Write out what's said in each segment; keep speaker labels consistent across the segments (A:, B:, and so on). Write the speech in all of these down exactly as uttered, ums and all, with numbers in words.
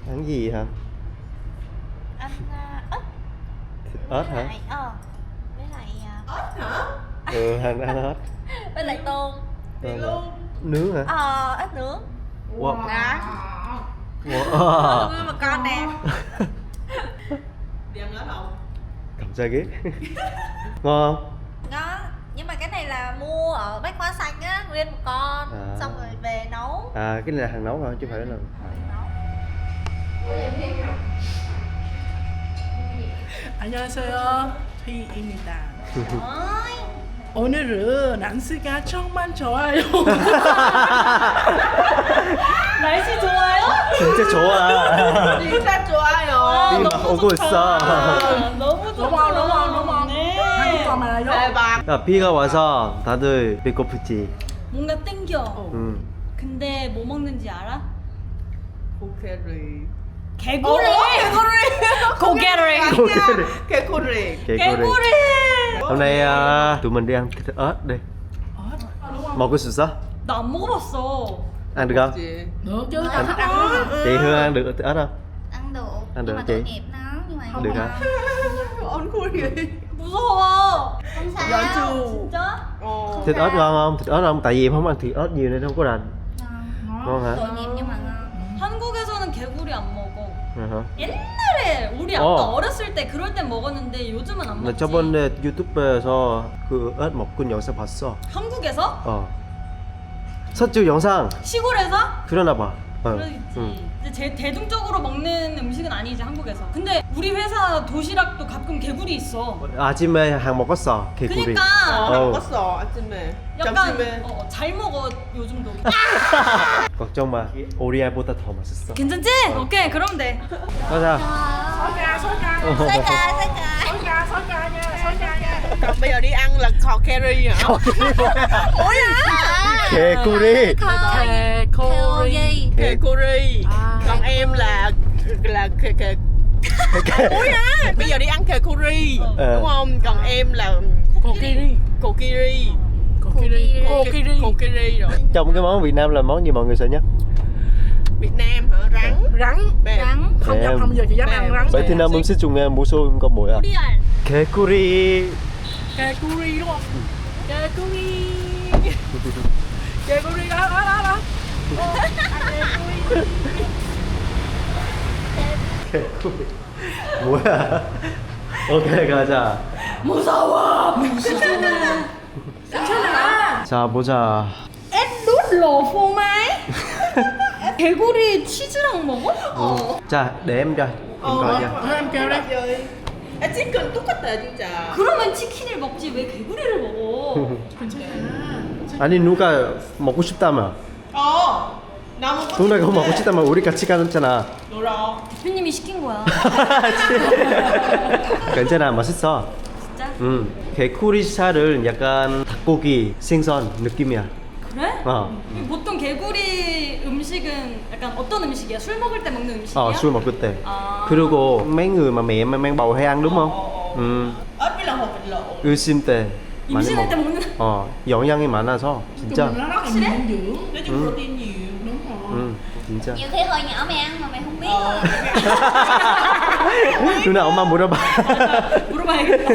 A: Ăn gì hả?
B: Ăn uh, ớt.
A: Thịt ớt hả?
B: Lại, ờ, với lại uh,
C: Ớt hả?
A: Ừ, ăn ăn ớt.
B: với lại tôm.
C: Thì
A: Tôm hả?
C: luôn.
A: Nướng hả?
B: Ờ, ớt nướng.
A: Wow.
B: Đó.
A: Wow.
B: Ui mà con nè.
C: Đi ăn ớt không?
A: 갑자기? ngon không?
B: Ngon. Nhưng mà cái này là mua ở Bách Hóa Xanh á, nguyên một con.
A: À.
B: Xong rồi về nấu.
A: À, cái này là hàng nấu hả? Chứ không phải là...
B: Nấu.
D: 안녕하세요. 희입니다.
B: Ôi.
D: 오늘은 날씨가 정말 좋아요.
B: 날씨 좋아요?
A: 진짜 좋아.
C: 진짜 좋아요.
A: 비 막 오고 있어.
B: 너무 좋다.
D: 너무 너무 너무
B: 네.
D: 한국어 말아요.
C: 대박.
A: 야, 비가 와서 다들 배고프지?
E: 뭔가 땡겨.
A: 응.
E: 근데 뭐 먹는지 알아?
C: 고개리.
E: 개구리.
C: 고개리.
E: 고개리.
C: 개구리.
E: 개구리.
A: Hôm nay à, tụi mình đi ăn thịt ớt đi. 먹을 수 있어?
E: 나 안 먹어봤어.
A: Ăn được không?
C: Chị.
D: Được chứ,
A: Anh-
D: tao thích ăn ớt.
A: Chị Hương ăn được thịt ớt không?
B: Ăn được.
A: Ăn được
B: Nhưng mà
A: chị.
B: tội nghiệp nó. Nhưng mà không
A: Được
B: ngon.
A: hả?
C: Ôn khui gì?
E: 무서워.
B: Không sao.
C: Dạ chưa?
E: 진짜?
C: Ồ.
A: Thịt ớt ngon không? Thịt ớt không? Tại vì em không ăn thịt ớt nhiều nên không có rành.
B: Ngon.
A: Ngon hả?
B: Tội nghiệp nhưng mà ngon.
E: 한국에서는 개구리 안 먹어.
A: Ừ hả?
E: 옛날에 우리 아빠
A: 어.
E: 어렸을 때 그럴 땐 먹었는데 요즘은 안
A: 나
E: 먹지.
A: 저번에 유튜브에서 그 ớt 먹은 영상 봤어.
E: 한국에서?
A: 어. 서쪽 영상
E: 시골에서?
A: 그러나 봐. 어.
E: 그러겠지.
A: 응.
E: 이제 제 대중적으로 먹는 음식은 아니지 한국에서. 근데 우리 회사 도시락도 가끔 개구리 있어.
A: 아침에 한 먹었어 개구리.
E: 그니까
C: Ờ,
A: Ồ.
C: 먹었어 아침에.
E: 약간
C: 점심에.
E: 어, 잘 먹어 요즘도.
A: 걱정 마. 오리알보다 더 맛있어.
E: 괜찮지? 오케이 그럼 돼.
A: 가자.
D: Sói ca, sói ca.
A: Ờ.
B: Xôi ca, xôi ca.
D: Sói ca, sói ca nha, sói ca nha.
C: Còn bây giờ đi ăn là kho curry hả?
B: Ủa hả?
A: 개구리.
D: 개구리.
C: Kề curry.
D: À.
C: Còn em là là kề kề. Ui à, bây giờ đi ăn kề curry
A: Ờ.
C: đúng không? Còn em là
D: Kokiri.
C: kokiri.
D: Kokiri. Kokiri.
C: Kokiri rồi.
A: Trong cái món Việt Nam là món gì mọi người sợ nhất?
C: Việt Nam hả? Rắn.
D: Rắn.
C: Bèm.
B: Rắn.
D: Không dám, không giờ chị dám ăn rắn.
A: 베트남 음식 중에 무서운 거 뭐야?
E: 오리알.
A: 개구리.
D: 개구리 đúng không? 개구리. 개구리 đó, đó, đó, đó.
A: 개구리. 뭐야? 오케이 가자.
E: 무서워.
A: 자 보자.
E: 햇빛 러포 마이? 개구리 치즈랑 먹어? 어.
A: 자 để em cho. Em
C: Ồ,
A: coi cho.
D: Thôi em kêu đây.
C: rồi. À, chicken 똑같아 진짜.
E: 그러면 치킨을 먹지 왜 개구리를 먹어?
A: 아니 누가 먹고 싶다며.
C: Ồ. Nó không có
A: 누나가 먹고 싶다면 우리 같이 가잖아.
C: Được rồi.
E: 대표님이 시킨 거야.
A: 괜찮아 맛있어.
E: 진짜?
A: 음 개구리 살은 약간 닭고기 생선 느낌이야.
E: 그래?
A: 어.
E: 보통 개구리 음식은 약간 어떤 음식이야? 술 먹을 때 먹는 음식이야?
A: 어, 술 먹을 때.
E: 아.
A: 그리고 mấy người mà mẹ mang bầu hay ăn đúng không? 음,
C: Ớt với lòng hột vịt lộn.
A: 의심 때 많이
E: 임신할 때
A: 먹.
E: 먹는.
A: 어, 영양이 많아서 진짜.
D: Nó rất là
E: 확실해?
D: nhiều dinh dưỡng.
C: Nói chung protein nhiều.
D: Đúng rồi.
A: 음, 진짜.
B: Nhiều khi hồi nhỏ mày ăn mà mày không biết
C: Ờ.
B: thôi.
A: 누나 엄마 물어봐.
E: 물어봐야겠다.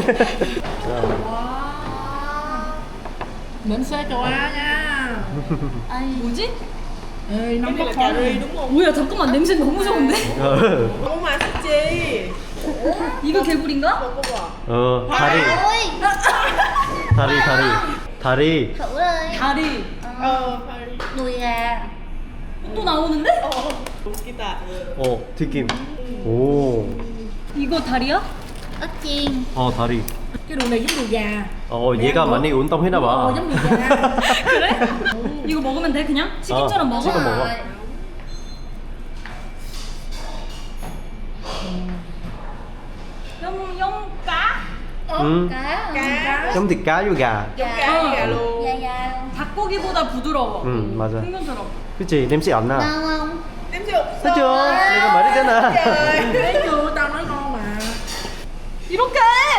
D: Đến xe châu Á nha.
E: 뭐지?
D: Ê,
C: Cái
D: nóng
C: này
D: bốc
C: là cà
D: khói.
C: ri đúng không?
E: 뭐야 잠깐만 냄새 너무 좋은데?
A: 어,
C: Không mà thích chi.
E: 이거 개구리인가?
C: Không có bò.
A: 어, 다리,
B: Ôi.
A: 다리, 다리, 다리.
B: Thử ơi.
E: 다리.
C: Ờ, phải.
B: Đùi gà.
E: 또 나오는데?
C: Ồ. Kita.
A: 어, 튀김. 오,
E: 이거 다리야?
B: Ớt chiên.
A: 어, 다리.
D: Cái đường này giống đùi gà.
A: 어, 얘가 많이 운동했나
D: Ờ,
A: 봐.
D: giống đùi gà.
E: 그래? 이거 먹으면 돼 그냥? 치킨처럼
A: 어,
E: 먹어?
A: 치킨 먹어.
B: Rồi.
E: 염, 염 cá?
A: 음,
B: Cá.
C: Cá.
A: giống thịt cá với gà.
C: Giống cá với gà luôn.
B: Da da.
E: 닭고기보다 부드러워.
A: 음, 맞아.
E: 생선처럼.
A: 그치, 냄새 안 나.
B: Ngon không?
C: Em chưa.
A: 그죠? 내가 말했잖아.
D: Thấy chưa, tao nói ngon mà.
E: 이렇게!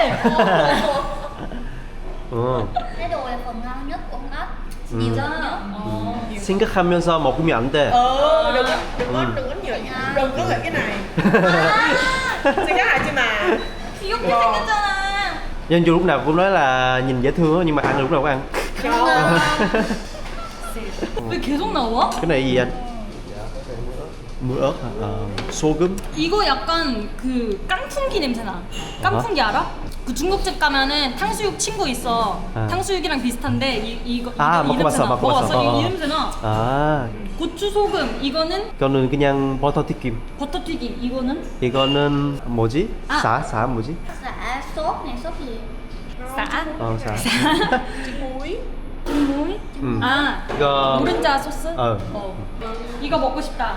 A: 어,
B: Cái đùi là phần ngon nhất của con ốc.
A: Ừ.
B: Nhiều nhất.
E: 어.
A: 생각하면서 먹으면 안 돼.
C: Ờ, đừng đừng có
A: Ừ.
C: đừng có nhớ Đừng có nghịch cái này. Xin cái hại chị mà.
E: 귀엽게 생겼잖아.
A: Nhân Chu lúc nào cũng nói là nhìn dễ thương á, nhưng mà ăn lúc nào cũng ăn.
E: 왜 계속 나와?
A: Cái này gì anh? Muối ớt hả? Ờ, 소금?
E: 이거 약간 그 깐풍기 냄새나. 깐풍기 알아? 그 중국집 가면은 탕수육 친구 있어.
A: 아.
E: 탕수육이랑 비슷한데 이 이거
A: 아,
E: 이, 이
A: 먹어봤어,
E: 냄새나.
A: 먹어봤어.
E: 이,
A: 어.
E: 이 냄새나.
A: À,
E: 고추 소금 이거는
A: 이거는 그냥 버터 튀김.
E: 버터 튀김 이거는
A: 이거는 뭐지?
E: 아.
A: 사, 사 뭐지?
B: Dạ sốt này sốt gì?
E: 쌀.
A: 어, 사.
C: Muối.
E: 무이?
A: 음.
E: 아
A: 이거
E: 노른자 소스?
A: 어.
E: 어. 이거 먹고 싶다.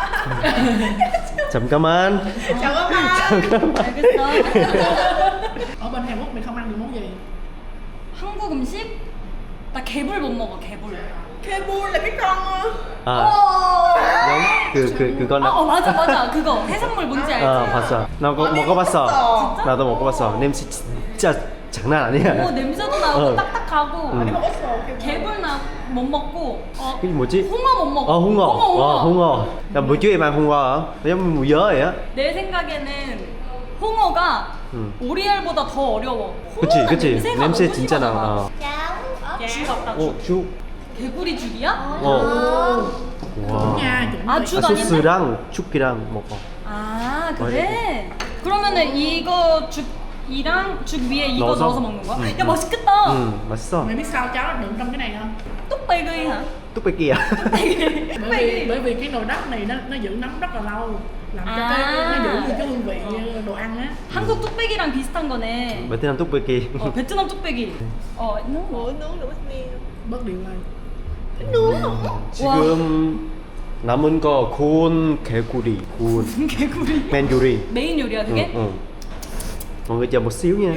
A: 잠깐만.
C: Chào các bạn.
E: 알겠어.
D: Ở bên Hàn Quốc mày không ăn được món gì?
E: 한국 음식? 나 개불 못 먹어 개불.
C: Kebul là cái con
A: 아,
E: 어.
A: giống 그, 그,
E: 아,
A: 그거는
E: 어 맞아 맞아 그거 해산물 뭔지 알지?
A: 어, 봤어. 나 그거 먹어봤어. 나도 먹어봤어. 냄새 진짜 장난 아니야.
E: 오 냄새도 나고
A: 어.
E: 딱딱하고
A: 음.
E: 개불 나 못 먹고 어,
A: cái gì 뭐지?
E: 홍어 못 먹고
A: Ờ, hung ngò.
E: 홍어 홍어
A: Ờ, hung ngò. Là bữa trước em ăn hung ngò hả? Nó giống mùi dớ vậy á.
E: 내 생각에는 홍어가
A: 음.
E: 오리알보다 더 어려워.
A: 그치,
E: 홍어는
A: 그치.
E: 냄새가
A: 냄새
E: 너무
A: 진짜 나.
E: 심하잖아.
A: 어.
B: Cháo ớt.
E: 죽 같다
A: 오,
E: 죽.
A: 죽.
E: 개구리 죽이야?
A: 어.
D: Chuẩn
A: 와.
D: nha, chuẩn.
E: 아
A: 아,
E: 죽 아닌데?
A: 소스랑 죽이랑 먹어.
E: 아 그래? 그러면은 이거 죽이랑 죽 위에 이거
A: 넣어서?
E: 넣어서, 먹는 거야?
A: 음,
E: 야
A: 음.
E: 맛있겠다.
A: Ừ, 맛있어.
D: Mày biết sao cháo nó đựng trong cái này không?
E: 뚝배기 hả?
A: 뚝배기야.
D: Bởi vì
E: 뚝배기.
D: bởi vì cái nồi đất này nó nó giữ nấm rất là lâu, làm cho
E: À.
D: cái nó giữ được cái hương vị đồ ăn á.
E: 한국 뚝배기랑 비슷한 거네.
A: 베트남 뚝배기.
E: 어 베트남 뚝배기. 어 nướng
C: Muối nướng được bánh mì.
D: Bớt điều này.
A: 지금 남은 거 구운 개구리, 구운
E: 개구리.
A: 맨 요리.
E: 메인 요리야 그게?
A: 응, 응. Mọi người chờ một xíu nha.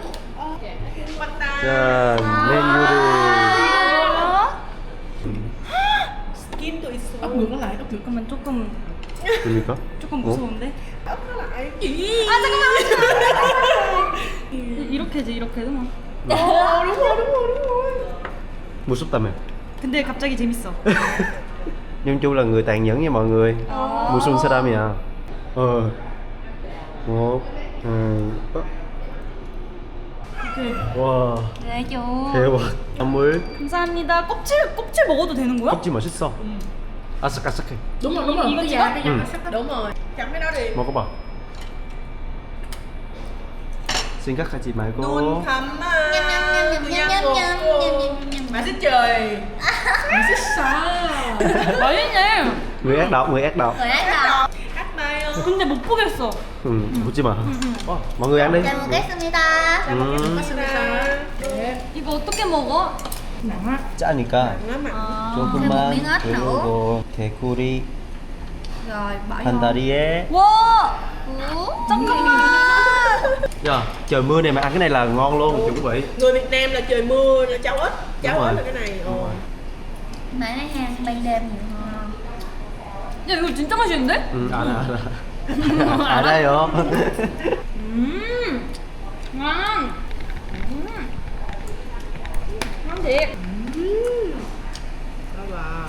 A: 자, 맨 요리.
E: 뭐야?
C: Skin to 있어.
D: Ấp ngược nó lại, ấp ngược.
E: 잠깐만 조금
A: 그러니까?
E: 조금
A: 어?
E: 무서운데?
C: Ấp nó lại.
E: 아 잠깐만. 이렇게 해지 이렇게 해도 뭐.
C: Ồ, đúng rồi, đúng rồi, đúng rồi.
A: 무섭다며.
E: 근데 갑자기 재밌어.
A: Nhưng Chu là người tàn nhẫn nha mọi người. 무슨 사람이야? 어. một, hai, ba. 와,
E: 네 줘.
A: 대박. 선물.
E: 감사합니다. 껍질 껍질 먹어도 되는 거야?
A: 껍질 맛있어. 아삭아삭해.
D: Đúng rồi, đúng rồi.
E: Igo
D: Cái
E: chưa?
D: da, cái da
A: Ừ.
D: nó sắc.
C: Đúng rồi. Chấm cái đó đi.
A: 먹어봐. 생각하지 말고.
C: Đun thấm à.
B: Nhâm nhâm nhâm
C: Tôi
B: nhâm
C: nhâm
B: nhâm
C: luôn.
B: nhâm nhâm nhâm nhâm.
C: Mà xích trời.
E: 맛있네.
A: Người ác độc, người ác độc.
B: Người ác độc.
C: Ác mai không?
E: 근데 못 보겠어.
A: Ừ, 보지 마. 어, mọi người ăn đi.
B: Chào một cái Sumita.
A: 음,
E: 이거 어떻게 먹어?
D: Nặng á.
A: 짜니까
C: Nó mặn.
E: 아.
B: thêm một
A: 조금만
B: miếng ớt nữa.
A: 그리고 개구리
B: Rồi bỏ
A: 한
B: vô.
A: 다리에.
E: 와
B: Uống.
E: 잠깐만.
A: Dạ, trời mưa này mà ăn cái này là ngon luôn, chuẩn quý vị.
C: Người Việt Nam là trời mưa là cháo ếch. Cháo
A: Đúng
C: ếch
A: rồi.
C: là cái này.
A: Đúng
C: Ồ.
A: rồi.
B: Mà nó hàng ban đêm nhiều hơn.
E: 야 이거 진짜 맛있는데?
A: 음, 알아, 알아. 알아요.
E: 음. ngon. 음. ngon thiệt.
C: Đó là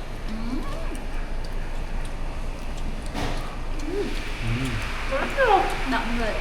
B: Đậm vị.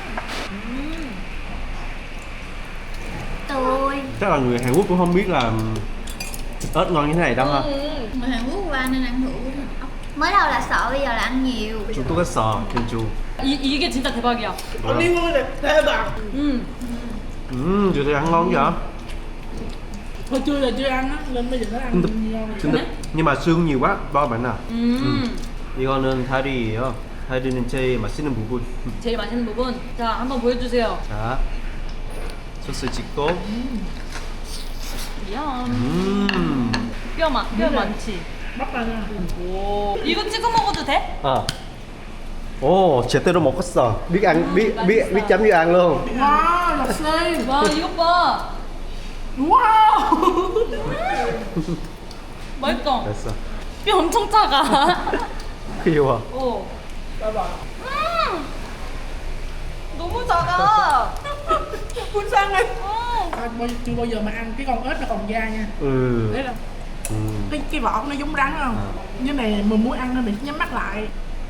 B: Tôi
A: Chắc là người Hàn Quốc cũng không biết là ớt ngon như thế này đâu ha.
B: người Hàn Quốc qua nên ăn thử ốc. Mới đầu là sợ, bây giờ là ăn nhiều.
A: Chúng tôi có sò, chân chu.
E: 이 이게 진짜 대박이야.
C: Ông đi mua là thê bằng.
E: 음.
A: 음, giờ thì ăn ngon vậy?
D: Hồi chưa là chưa ăn á, lên bây giờ nó ăn
A: 근데,
D: ngon.
A: 근데 nhưng mà xương nhiều quá, bao bạn nào.
E: 음.
A: 이거는 다리예요. 다리는 제일 맛있는 부분.
E: 제일 맛있는 부분. 자 한번 보여주세요.
A: 자, 소스 찍고.
E: 야.
A: 음.
E: 뼈 많, 뼈 많지.
D: Bắp ra nha.
E: 오. 이거 찍어 먹어도 돼?
A: À. Ồ, 제대로 먹었어. biết ăn, biết biết biết chấm với ăn luôn.
D: Wow, là xê.
E: 와 이것 봐.
D: Wow.
E: 맛있다.
A: 됐어.
E: 뼈 엄청 작아.
A: 귀여워.
E: 오. 음. 너무 작아.
C: Phun sang ơi.
E: 음.
D: À, bao, chưa bao giờ mà ăn cái con ếch nó còn da nha.
A: Ừ.
D: Đấy là
A: Ừ.
D: cái cái vỏ của nó giống rắn không?
A: À.
D: Như này mà muốn ăn nó mình nhắm mắt lại.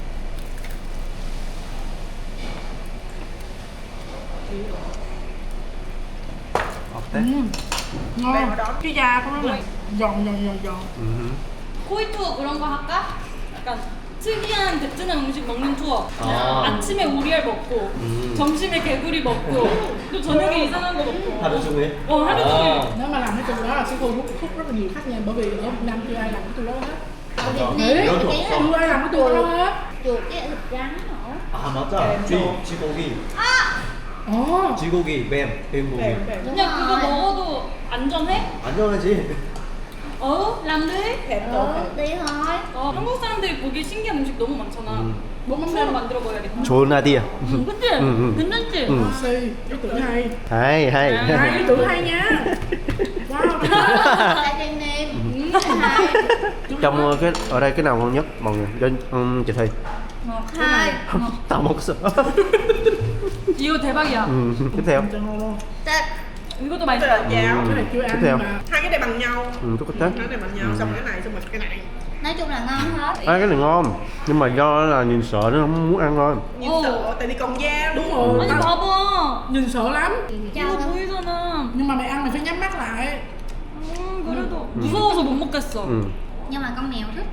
A: 어때?
D: 음. ngon. Cái da của nó là giòn giòn giòn giòn.
A: 음.
E: 코이 투어 그런 거 할까? 약간 특이한 베트남 음식 먹는 투어.
A: 아.
E: 아침에 오리알 먹고,
A: 음.
E: 점심에 개구리 먹고, 또 저녁에 이상한 거 먹고.
A: 하루 종일?
E: 어, 하루 종일.
D: Nếu mà làm cái tour đó là sẽ thu hút hút rất là nhiều khách nha, bởi vì ở Việt Nam chưa ai làm cái tour đó hết.
F: Ở Việt
D: Đấy,
F: Nam
A: Nhớ
F: cái
A: thuộc
D: chưa ai làm cái tour đó hết.
F: chuột cái thịt rắn nữa.
A: 아 맞아. 쥐, 쥐고기.
D: Ồ.
A: 쥐고기, 뱀, 뱀고기.
D: Đẹp, đẹp.
E: 그냥 그거 먹어도 안전해?
A: 안전하지?
E: 어? 람들?
F: Ừ, đi thôi.
E: 어, 한국 사람들이 보기 신기한 음식 너무 많잖아.
A: 음.
D: Bốn mắm
E: 처음
D: nêm.
E: 만들어 봐야겠다.
A: 좋은 아이디어.
E: 응, 그치?
A: 응, 응.
E: 괜찮지?
A: 응.
D: Si, ý tưởng hay.
A: hay hay.
E: À,
D: Hay, ý tưởng hay nha. Wow.
F: Tại trên nêm. Hai.
A: Trong ờ, cái ở đây cái nào ngon nhất mọi người? Cho um, chị Thi.
F: Hai.
A: Tao 먹었어.
E: 이거 대박이야.
A: ừ. Tiếp theo.
D: Chân luôn.
F: Tết.
E: 이것도
C: Tức
E: 맛있어.
C: là cháo.
A: Ừ.
D: Cái này chưa
A: Tiếp
D: ăn
A: theo.
D: nhưng mà
C: Hai cái này bằng nhau.
A: Ừ, tốt cái
C: Cái này bằng nhau,
A: Ừ.
C: xong cái này, xong rồi cái này.
F: Nói chung là ngon hết.
A: À, cái này ngon nhưng mà do là nhìn sợ nó không muốn ăn thôi.
C: Nhìn
E: Ồ.
C: sợ, tại vì còn da
D: đúng
C: đúng
D: rồi.
E: 아니
D: Tao
E: 봐봐.
D: nhìn sợ lắm.
E: 이거 보이잖아.
D: Nhưng mà mày ăn mày phải nhắm mắt lại.
E: 음, 그래도 무서워서 못 먹겠어.
A: Ừ.
F: Nhưng mà con mèo thích.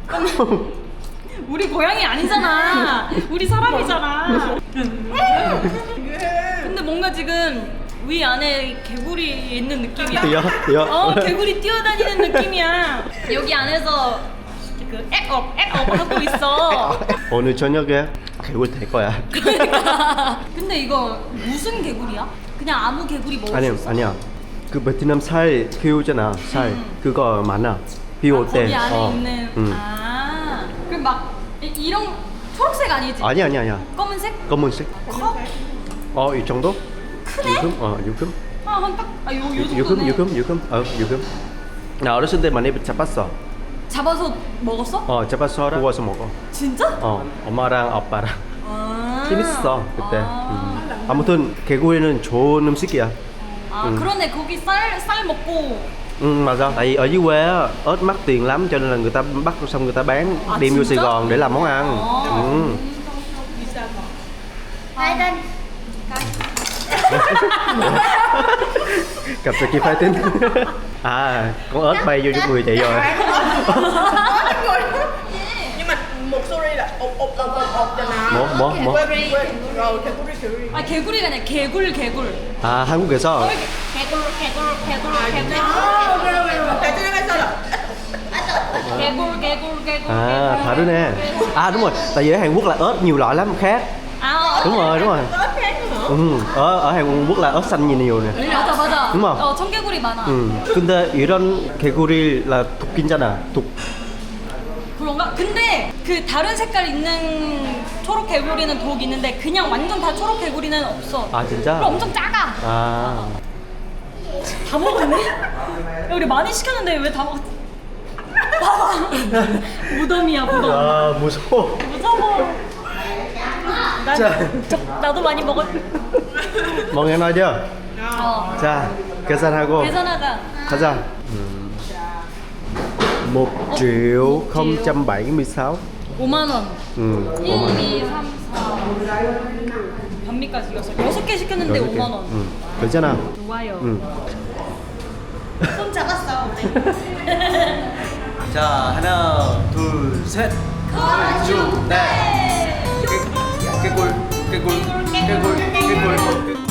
E: 우리 고양이 아니잖아. 우리 사람이잖아. 근데 뭔가 지금 위 안에 개구리 있는 느낌이야.
A: 뛰어 뛰어.
E: 어, 개구리 뛰어다니는 느낌이야. 여기 안에서 그 액업, 액업 하고 있어.
A: 오늘 저녁에 개굴 될 거야.
E: 그러니까. 근데 이거 무슨 개구리야? 그냥 아무 개구리 먹을
A: 아니야
E: 수 있어?
A: 아니야. 그 베트남 살 키우잖아. 살 그거 많아. 비
E: 아,
A: 올 때.
E: 거기 안에
A: 어.
E: 있는.
A: 응.
E: 아, 그럼 막 이- 이런 초록색 아니지?
A: 아니야 아니야 아니야.
E: 검은색?
A: 검은색.
E: 커?
A: 어, 이 정도?
E: 크네?
A: 유금? 어, 유금?
E: 아, 한 딱, 아, 요, 요
A: 유금,
E: 정도네.
A: 유금, 유금. 어, 유금. 나 어렸을 때 많이 잡았어.
E: 잡아서 먹었어?
A: 어, 잡아서 구워서 먹어.
E: 진짜?
A: 어, 엄마랑 아빠랑.
E: 아.
A: 재밌어 그때.
E: 아,
A: 음. 아무튼 개구리는 좋은 음식이야.
E: 아
A: 음.
E: 그러네. 거기 쌀, 쌀 먹고.
A: Ừ, mà sao? Tại vì ở dưới quê á, ớt mắc tiền lắm cho nên là người ta bắt xong người ta bán
E: À,
A: đem vô
E: 진짜?
A: Sài Gòn để làm món ăn.
E: Ồ.
A: Ừ.
F: Hai tên.
A: Cặp sợi chi phái tính. À, con ớt bay vô trong người chị rồi.
C: Nhưng mà một suri là ộp ộp ộp ộp ộp cho nó.
A: 뭐, 뭐, 뭐?
C: Quên, quên. Rồi, 개구리, 개구리.
E: 아 개구리가 아니라 개굴 개굴.
A: 아, 한국에서
F: 개굴, 개굴, 개굴, 개굴.
C: Tại cho nên bây giờ là
E: 개굴 개굴 개굴.
A: à 다르네. À đúng rồi, tại vì ở Hàn Quốc là ớt nhiều loại lắm khác.
E: 아 어,
A: Đúng rồi, đúng rồi.
C: ớt khác nữa.
A: Ừ, ở ở Hàn Quốc là ớt xanh nhiều nhiều nè.
E: 맞아 맞아.
A: đúng không?
E: 어 청개구리 많아.
A: 음. 근데 이런 개구리 là 독 괜찮아. 독.
E: 그런가? 근데 그 다른 색깔 있는 초록 개구리는 독 있는데 그냥 완전 다 초록 개구리는 없어.
A: 아 진짜?
E: 그럼 엄청 작아.
A: 아.
E: 다 먹었네? 야, 우리 많이 시켰는데 왜 다 먹었지? 봐봐. 무덤이야 무덤.
A: 아 무서워.
E: 무서워. 난,
A: 자.
E: 저, 나도 많이 먹었.
A: mọi người nói chưa?
E: 어.
A: 자, 계산하고
E: 계산하자.
A: 가자. 음. một triệu không trăm bảy mươi sáu.
E: 오만 원.
A: 음.
E: 일, 이, 삼, 사. 반미까지 이겼어. 여섯 개 시켰는데 오만 원.
A: 음. 괜찮아.
E: 좋아요.
A: 음.
E: 손 잡았어.
A: 자, 하나, 둘, 셋.
E: 네.
A: 개꿀, 개꿀, 개꿀, 개꿀.